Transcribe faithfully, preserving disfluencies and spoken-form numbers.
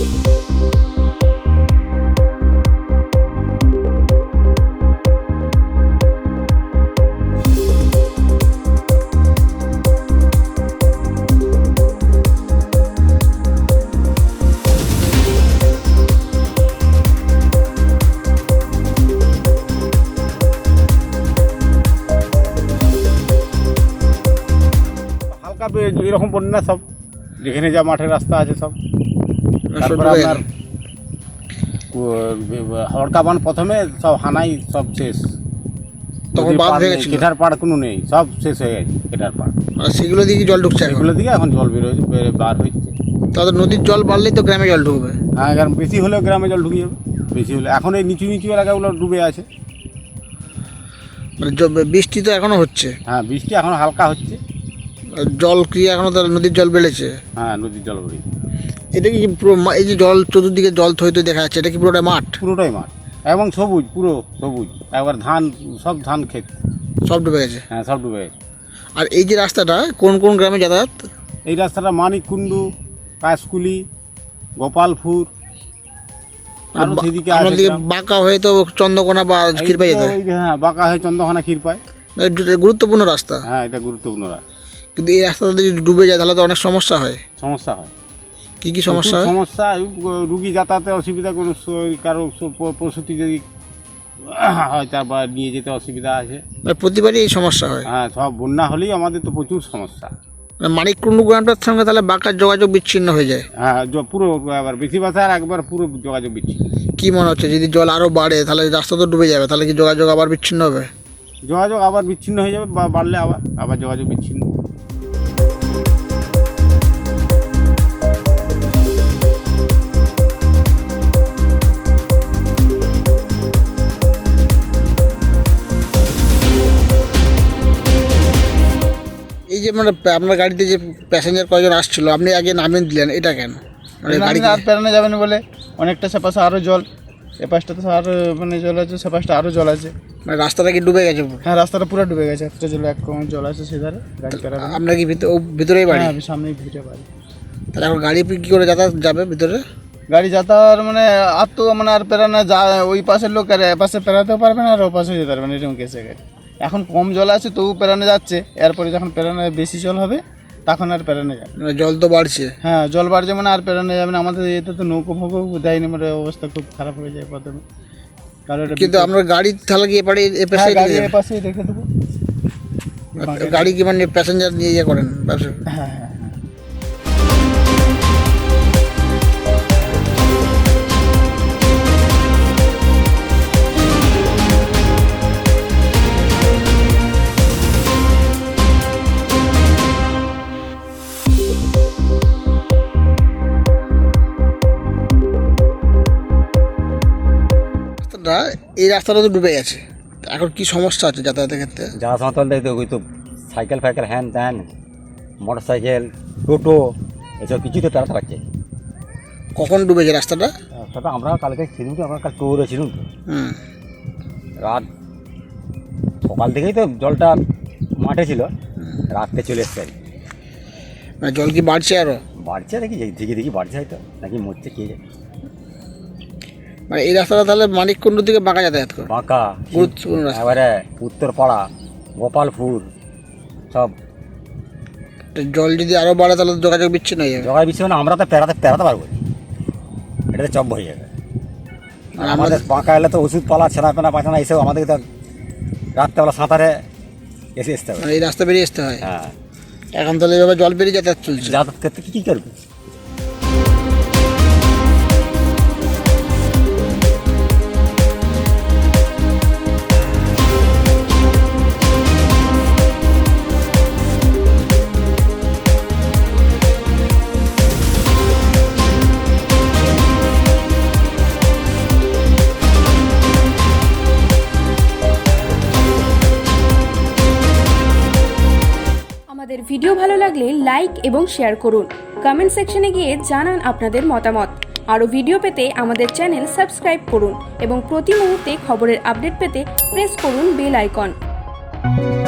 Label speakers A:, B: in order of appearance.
A: এরকম বন্যা সব যেখানে যা মাঠের রাস্তা আছে সব। তারপরে আপনার হড়কা বান প্রথমে সব হানাই সব শেষ,
B: তখন বাঁধ হয়ে গেছিল,
A: কেটার পাড় কোনো নেই, সব শেষ হয়ে গেছে কেটার পাড়।
B: আর সেগুলো দিকে জল ঢুকছে,
A: সেগুলো দিকে এখন জল বেরোচ্ছে, বার হচ্ছে।
B: তাদের নদীর জল বাড়লেই তো গ্রামে জল ঢুকবে।
A: হ্যাঁ, কারণ বেশি হলেও গ্রামে জল ঢুকে যাবে, বেশি হলে। এখন এই নিচু নিচু এলাকাগুলো ডুবে আছে।
B: মানে বৃষ্টি তো এখনো হচ্ছে?
A: হ্যাঁ, বৃষ্টি এখন হালকা হচ্ছে।
B: জল কি এখনো তার নদীর জল বেড়েছে?
A: হ্যাঁ, নদীর জল বেড়েছে।
B: এটা কি পুরো এই যে জল চতুর্দিকে জল থই থই দেখা যাচ্ছে, এটা কি পুরোটাই মাঠ?
A: পুরোটাই মাঠ এবং সবুজ, পুরো সবুজ। একবার ধান, সব ধান ক্ষেত
B: সব ডুবে গেছে।
A: হ্যাঁ, সব ডুবে গেছে।
B: আর এই যে রাস্তাটা কোন কোন গ্রামে যাতায়াত?
A: এই রাস্তাটা মানিককুণ্ডু, কাশকুলি, গোপালপুর, আর সেদিকে
B: বাঁকা হয়ে তো চন্দ্রকোনা বা ক্ষীরপাই যেতে হয়।
A: হ্যাঁ, বাঁকা হয়ে চন্দ্রকোনা ক্ষীরপাই।
B: গুরুত্বপূর্ণ রাস্তা।
A: হ্যাঁ, এটা গুরুত্বপূর্ণ রাস্তা।
B: কিন্তু এই রাস্তাটা যদি ডুবে যায় তাহলে তো অনেক সমস্যা হয়।
A: সমস্যা হয়।
B: কি কি সমস্যা হয়?
A: সমস্যা, রুগী যাতায়াতে অসুবিধা, কোনো কারো প্রসূতি যদি হয় তারপর নিয়ে যেতে অসুবিধা আছে।
B: প্রতিবারই এই সমস্যা হয়।
A: হ্যাঁ, সব বন্যা হলেই আমাদের তো প্রচুর সমস্যা।
B: মানিককুণ্ডু গ্রামটার সঙ্গে তাহলে বাঁকার যোগাযোগ বিচ্ছিন্ন হয়ে যায়।
A: হ্যাঁ, পুরো একবার বেশি বাসা আর একবার পুরো যোগাযোগ বিচ্ছিন্ন।
B: কি মনে হচ্ছে যদি জল আরও বাড়ে তাহলে রাস্তা তো ডুবে যাবে, তাহলে কি যোগাযোগ আবার বিচ্ছিন্ন হবে?
A: যোগাযোগ আবার বিচ্ছিন্ন হয়ে যাবে, বা বাড়লে আবার আবার যোগাযোগ বিচ্ছিন্ন।
B: এই যে মানে আপনার গাড়িতে যে প্যাসেঞ্জার কয়জন আসছিল, আপনি আগে নামিয়ে দিলেন, এটা কেন?
C: মানে গাড়ি আর পেরানো যাবে না বলে অনেকটা সেপাশে আরও জল, এ পাশটা তো আরও মানে জল আছে, সে পাশটা আরও জল আছে।
B: মানে রাস্তাটা কি ডুবে গেছে?
C: হ্যাঁ, রাস্তাটা পুরো ডুবে গেছে, একটা জল এক কম জল আছে সেধারে, গাড়ি পেরাবে।
B: আপনার কি ভিতরে ভিতরেই বাড়ি?
C: হ্যাঁ, সামনেই ভিতরে বাড়ি।
B: তাহলে এখন গাড়ি কী করে যাতায়াত যাবে ভিতরে?
C: গাড়ি যাতায়াত মানে আর তো মানে আর পেরানো যা, ওই পাশের লোক আর এ পাশে পেরাতেও পারবে না আর ও পাশে যেতে পারবে না, এরকম কেসে গেছে। এখন কম জল আছে তবু পেরানো যাচ্ছে, এরপরে যখন পেরানো বেশি জল হবে তখন আর পেরানো যাবে।
B: মানে জল তো বাড়ছে।
C: হ্যাঁ, জল বাড়ছে মানে আর পেরানো যাবে না। আমাদের এতে তো নৌকো ফৌকো দেয়নি, মানে অবস্থা খুব খারাপ হয়ে যায় প্রথমে।
B: কিন্তু আপনার গাড়ি তাহলে কি এপারে এপাশে
C: এপাশেই রেখে দেবো।
B: গাড়ি কি মানে প্যাসেঞ্জার নিয়ে ইয়ে করেন ব্যবসা?
C: হ্যাঁ হ্যাঁ।
B: এই রাস্তাটা তো ডুবে গেছে, এখন কি সমস্যা আছে যাতায়াতের ক্ষেত্রে?
D: যাওয়া সময় তো ওই তো সাইকেল ফাইকেল হ্যান ত্যান, মোটর সাইকেল, টোটো, এসব কিছুই তো পেরাতে পারছে।
B: কখন ডুবেছে রাস্তাটা?
D: রাস্তাটা আমরা কালকে ছিলাম তো, আমরা কাল ট্যুরে ছিলাম তো।
B: হুম,
D: রাত সকাল থেকেই তো জলটা মাঠে ছিল, রাত্রে চলে এসছে আর কি।
B: মানে জল কি বাড়ছে আরও?
D: বাড়ছে নাকি দেখি দেখি বাড়ছে হয়তো, নাকি মরছে কে যায়।
B: মানে এই রাস্তাটা তাহলে মানিককুণ্ডু থেকে বাঁকা যাতায়াত করে?
D: বাঁকা,
B: গুরুত্বপূর্ণ রাস্তা।
D: এবারে উত্তরপাড়া, গোপালপুর সব।
B: জল যদি আরও বাড়ে তাহলে যোগাযোগ বিচ্ছিন্ন হয়ে যাবে।
D: জগায় বিচ্ছিন্ন, আমরা তো পেরাতে পেরাতে পারবো, এটাতে চপ হয়ে যাবে। আর আমাদের বাঁকা এলে তো ওষুধ পালা, ছেনা পেনা পায়খানা এইসব আমাদেরকে তো রাত্রেবেলা সাঁতারে এসে আসতে হবে।
B: মানে এই রাস্তা বেরিয়ে আসতে হয়।
D: হ্যাঁ,
B: এখন তাহলে এভাবে জল বেরিয়ে যাতায়াত চলছে।
D: যাতায়াত করতে কী কী করবে?
E: আমাদের ভিডিও ভালো লাগলে লাইক এবং শেয়ার করুন। কমেন্ট সেকশনে গিয়ে জানান আপনাদের মতামত। আরও ভিডিও পেতে আমাদের চ্যানেল সাবস্ক্রাইব করুন এবং প্রতি মুহূর্তে খবরের আপডেট পেতে প্রেস করুন বেল আইকন।